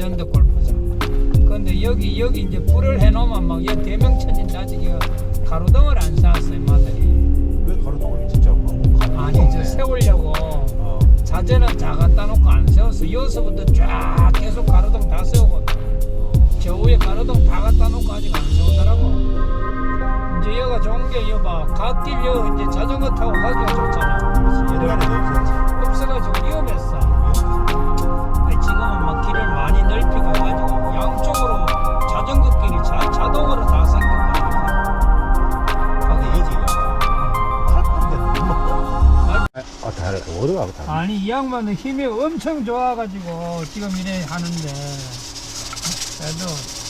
레전드 골프장. 근데 여기 이제 불을 해놓으면 막 여기 대명천진 아직 가로등을 안 쌓았어요, 마들이. 왜 가로등을 진짜 아니 저 세우려고 자재는 다 갖다 놓고 안 세웠어. 여기서부터 쫙 계속 가로등 다 세우거든. 저 위에 가로등 다 갖다 놓고 아직 안 세우더라고. 이제 여기가 좋은 게 여봐, 갓길 여 이제 자전거 타고 가기가 좋잖아. 옛날에도 없었지. 없어가지고 위험했어. 근데 지금은 막 길을 많이 넓히고 해가지고 양쪽으로 자전거 길이 자동으로 다 생긴 거야. 근데 여기가 칼판데 너무 다르 어디가 다르 아니 이 양반은 힘이 엄청 좋아가지고 지금 이래 하는데 그래도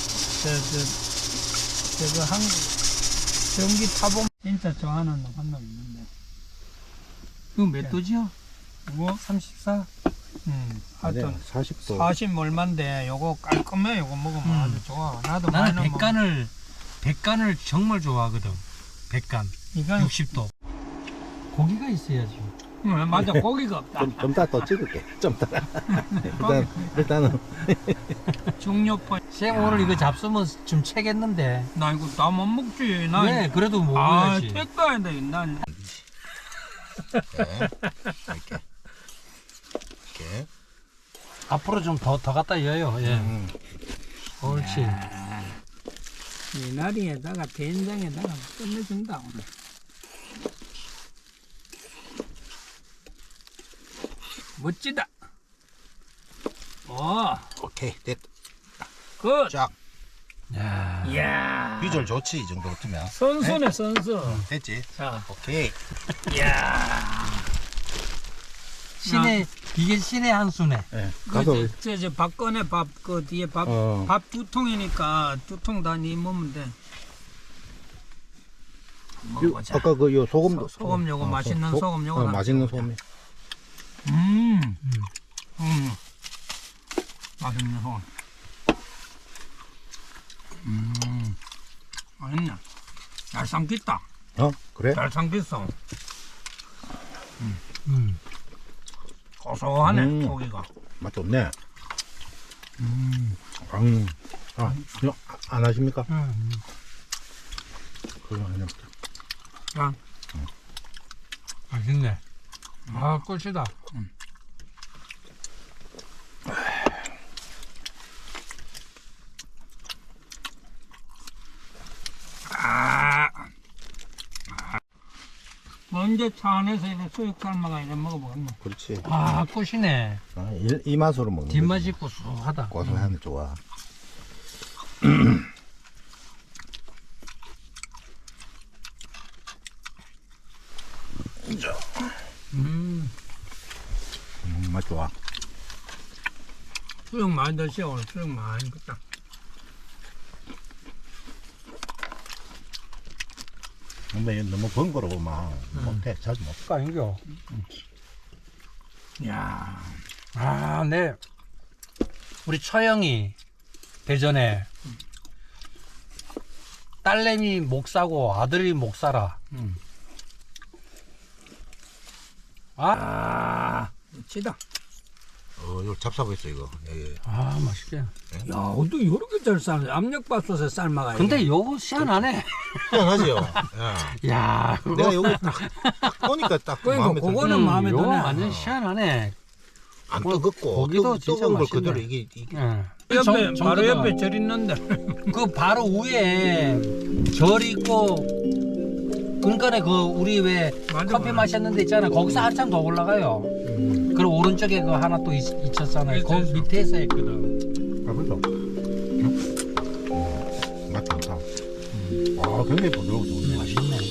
저거 전기 타본 진짜 좋아하는 놈 한 놈 있는데. 이거 몇 도지요? 뭐 34? 하여튼 40도 40 얼만데 요거 깔끔해. 요거 먹으면 아주 좋아. 나도 나는 많이 먹어. 백간을 정말 좋아하거든. 백간 이건 60도. 고기가 있어야지. 맞아. 고기가 없다. 좀 이따 또 찍을게 좀 이따 일단은 중요포. 쌤 오늘 이거 잡수면 좀 채겠는데. 나 이거 다 못 먹지. 나 왜? 그래도 아, 먹어야지. 택가야 돼. 난 이렇게 이렇게 앞으로 좀 더 갖다 여요. 예. 옳지. 미나리에다가 된장에다가 끝내준다 오늘. 멋지다. 오케이 됐 굿. 쫙 야. 이야. 비주얼 좋지 이 정도 같으면 선수네 선수. 됐지 자, 오케이 이야. 이게 신의 한 수네. 가서 저 밥꺼네. 밥 그 뒤에 밥 두 통이니까 두 통 다 니 먹으면 돼. 먹어보자. 아까 그 요 소금도 소금 요거 맛있는 소금 요거 맛있는 소금 맛있는 소금. 맛있네. 잘 삼켰다. 그래 잘 삼켰어. 고소하네 고기가. 맛 좋네 이거 안 하십니까 그거 그냥 자, 맛있네. 아, 꿀이다. 언제 차 안에서 이렇게 수육 삶아가 이래 먹어보겠네. 그렇지 아, 꿀이네. 이 맛으로 먹는 뒷맛이 거지. 고소하다. 고소하면 좋아 맛 좋아 수육 많이 드셔. 오늘 수육 많이 먹다. 근데 이거 너무 번거로우면 못해 자주 못 거 아닌겨? 이야. 아, 네. 우리 처형이 대전에 딸내미 목사고 아들이 목사라. 멋지다. 이거 잡사고 있어 이거 아, 맛있게. 야, 어떻게 이렇게 잘 삶아? 압력밥솥에 삶아가. 근데 요거 시원하네. 희한하죠 야, 내가 여기 딱 보니까 딱 그러니까 마음에 들어 그거는 마음에 요거 드네. 완전 시원하네. 안 뜨겁고 고기도 진짜 뜨거운 걸 맛있네. 그대로 이게 예. 옆에 정- 바로 정도다. 옆에 절 있는데. 그 바로 위에 절 있고 그러니까 그 우리 왜 맞아, 커피 맞아. 마셨는데 있잖아. 거기서 한참 더 올라가요. 그리고 오른쪽에 그 하나 또 있었잖아요. 있어, 거기 있어. 밑에서 했거든. 아 그죠? 맛 좋다 굉장히 부드러워 좋네 맛있네.